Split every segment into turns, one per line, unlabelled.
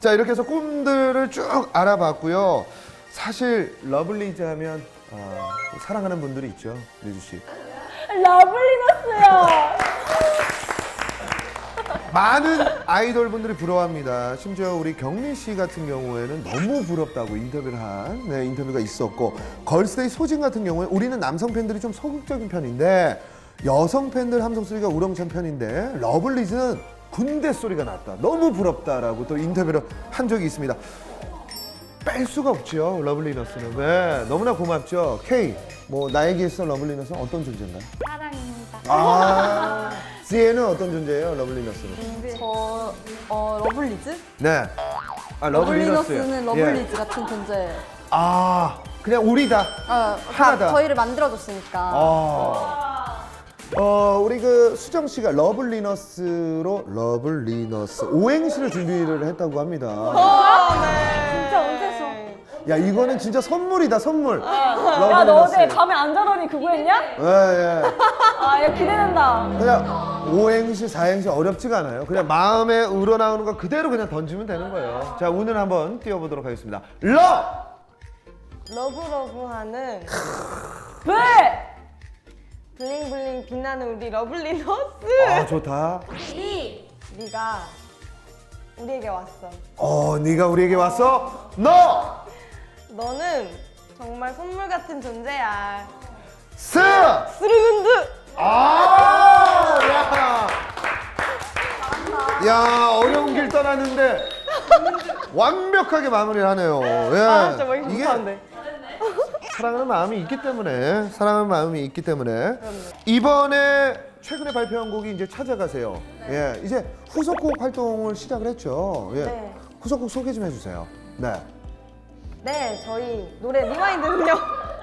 자, 이렇게 해서 꿈들을 쭉 알아봤고요. 사실 러블리즈 하면 사랑하는 분들이 있죠, 리즈 씨.
러블리너스요.
많은 아이돌 분들이 부러워합니다. 심지어 우리 경민 씨 같은 경우에는 너무 부럽다고 인터뷰를 한 인터뷰가 있었고, 걸스데이 소진 같은 경우에 우리는 남성 팬들이 좀 소극적인 편인데 여성 팬들 함성 소리가 우렁찬 편인데 러블리즈는 군대 소리가 났다. 너무 부럽다라고 또 인터뷰를 한 적이 있습니다. 뺄 수가 없죠, 러블리너스는. 네, 너무나 고맙죠. K, 뭐 나에게 있어 러블리너스는 어떤 존재인가요?
사랑입니다.
지혜는 어떤 존재예요, 러블리너스는?
저 러블리즈?
네.
러블리너스는
예.
러블리즈 같은 존재.
그냥 우리다. 하나다.
저희를 만들어줬으니까.
우리 그 수정 씨가 러블리너스로 러블리너스 오행시를 준비를 했다고 합니다.
진짜 언제서?
야, 이거는 진짜 선물이다, 선물.
야, 너 어제 밤에 안 자더니 그거 했냐?
예.
야, 기대된다.
그냥 오행시, 사행시 어렵지가 않아요. 그냥 마음에 우러나오는 거 그대로 그냥 던지면 되는 거예요. 자, 운을 한번 띄워보도록 하겠습니다.
러브러브하는
왜?
블링블링 빛나는 우리 러블리너스.
좋다.
네가 우리에게 왔어.
네가 우리에게 왔어?
너는 정말 선물 같은 존재야.
스르근드. 야, 어려운 길 떠났는데 완벽하게 마무리를 하네요. 예.
진짜 뭐 이게 못하는데.
사랑하는 마음이 있기 때문에, 이번에 최근에 발표한 곡이 이제 찾아가세요. 예, 이제 후속곡 활동을 시작을 했죠. 예.
네.
후속곡 소개 좀 해주세요. 네.
네, 저희 노래 리와인드는요.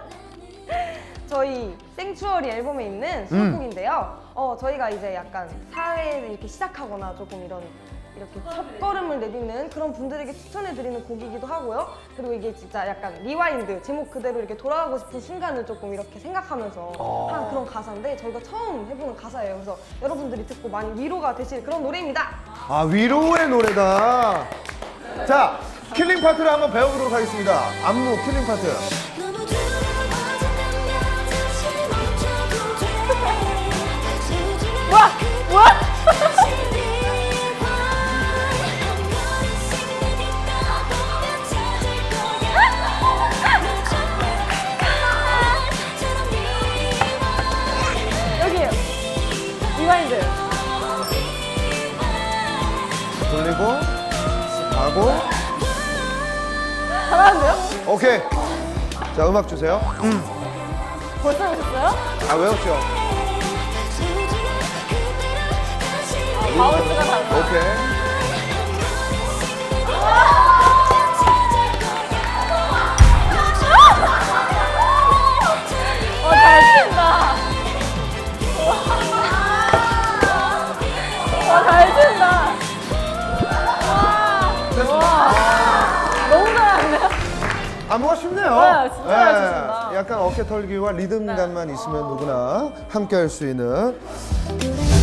저희 생추어리 앨범에 있는 수록곡인데요. 저희가 이제 약간 사회를 이렇게 시작하거나 조금 이렇게 첫걸음을 내딛는 그런 분들에게 추천해드리는 곡이기도 하고요. 그리고 이게 진짜 약간 리와인드, 제목 그대로 이렇게 돌아가고 싶은 순간을 조금 이렇게 생각하면서 한 그런 가사인데 저희가 처음 해보는 가사예요. 그래서 여러분들이 듣고 많이 위로가 되실 그런 노래입니다.
위로의 노래다. 자, 킬링 파트를 한번 배워보도록 하겠습니다. 안무 킬링 파트.
뭐야? 여기요. 리와인드.
돌리고 가고.
잘하는데요?
오케이. 자, 음악 주세요.
벌써 오셨어요?
외웠죠?
바운스가 달라.
오케이.
잘 친다. 잘 친다. 너무 잘하는데요?
안무가 쉽네요.
네, 진짜 잘 치신다.
약간 어깨 털기와 리듬감만 있으면 누구나 함께 할 수 있는.